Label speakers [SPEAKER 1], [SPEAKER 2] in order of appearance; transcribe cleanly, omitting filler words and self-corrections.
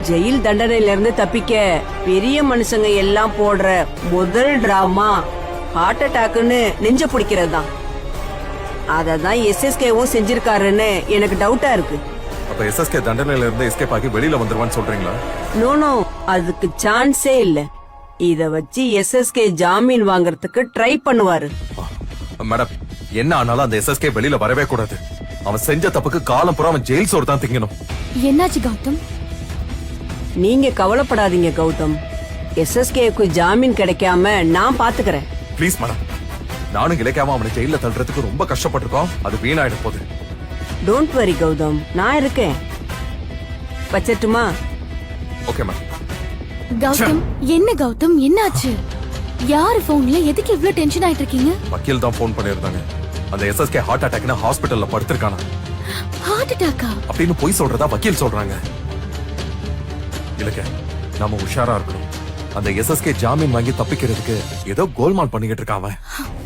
[SPEAKER 1] Jail தண்டனையில இருந்து தப்பிக்க பெரிய மனுஷங்க எல்லாம் போடுற முதல் டிராமா ஹார்ட் அட்டாக்னு நெஞ்ச பிடிக்கிறது தான். அததான் எஸ்எஸ்கேவும் செஞ்சிருக்காருன்னு எனக்கு டவுட்டா இருக்கு.
[SPEAKER 2] அப்ப எஸ்எஸ்கே தண்டனையில இருந்து எஸ்கேப் ஆகி வெளியில வந்துருவான்னு சொல்றீங்களா?
[SPEAKER 1] நோ, அதுக்கு சான்ஸே இல்ல. இத வச்சு எஸ்எஸ்கே ஜாமீன் வாங்குறதுக்கு ட்ரை பண்ணுவாரு.
[SPEAKER 2] மேடம், என்ன ஆனாலும் அந்த எஸ்எஸ்கே வெளியில வரவே கூடாது. அவன் செஞ்ச தப்புக்கு காலம் பூரா அவன் ஜெயில் சோறு தான் திங்கணும்.
[SPEAKER 3] என்னாச்சு கௌதம்?
[SPEAKER 1] நீங்க கவலைப்படாதீங்க கௌதம். எஸ்எஸ்கேக்கு ஜாமீன் கிடைக்காம நான் பாத்துக்கிறேன்.
[SPEAKER 2] ப்ளீஸ் மேடம், நானும் கிடைக்காம அவனை ஜெயில தள்ளுறதுக்கு ரொம்ப கஷ்டப்பட்டிருக்கோம். அது வீணாயிட போகுது.
[SPEAKER 1] டோன்ட் வரி கௌதம், நான் இருக்கேன். வச்சட்டுமா?
[SPEAKER 2] Okay madam.
[SPEAKER 3] கௌதம், என்ன கௌதம், என்னாச்சு? யாரு போன்ல எதுக்கு இவ்ளோ டென்ஷன் ஆயிட்டு இருக்கீங்க?
[SPEAKER 2] வக்கீல் தான் போன் பண்ணிருந்தாங்க. அந்த எஸ்எஸ்கே ஹார்ட் அட்டாக்னா ஹாஸ்பிடல்ல படுத்திருக்கானா.
[SPEAKER 3] ஹார்ட் அட்டாக்கா
[SPEAKER 2] அப்படின்னு போய் சொல்றதா வக்கீல் சொல்றாங்க. இல்லங்க, நாம உஷாரா இருக்கணும். அந்த எஸ்எஸ்கே ஜாமீன் வாங்கி தப்பிக்கிறதுக்கு ஏதோ கோல்மால் பண்ணிக்கிட்டு இருக்கான் அவன்.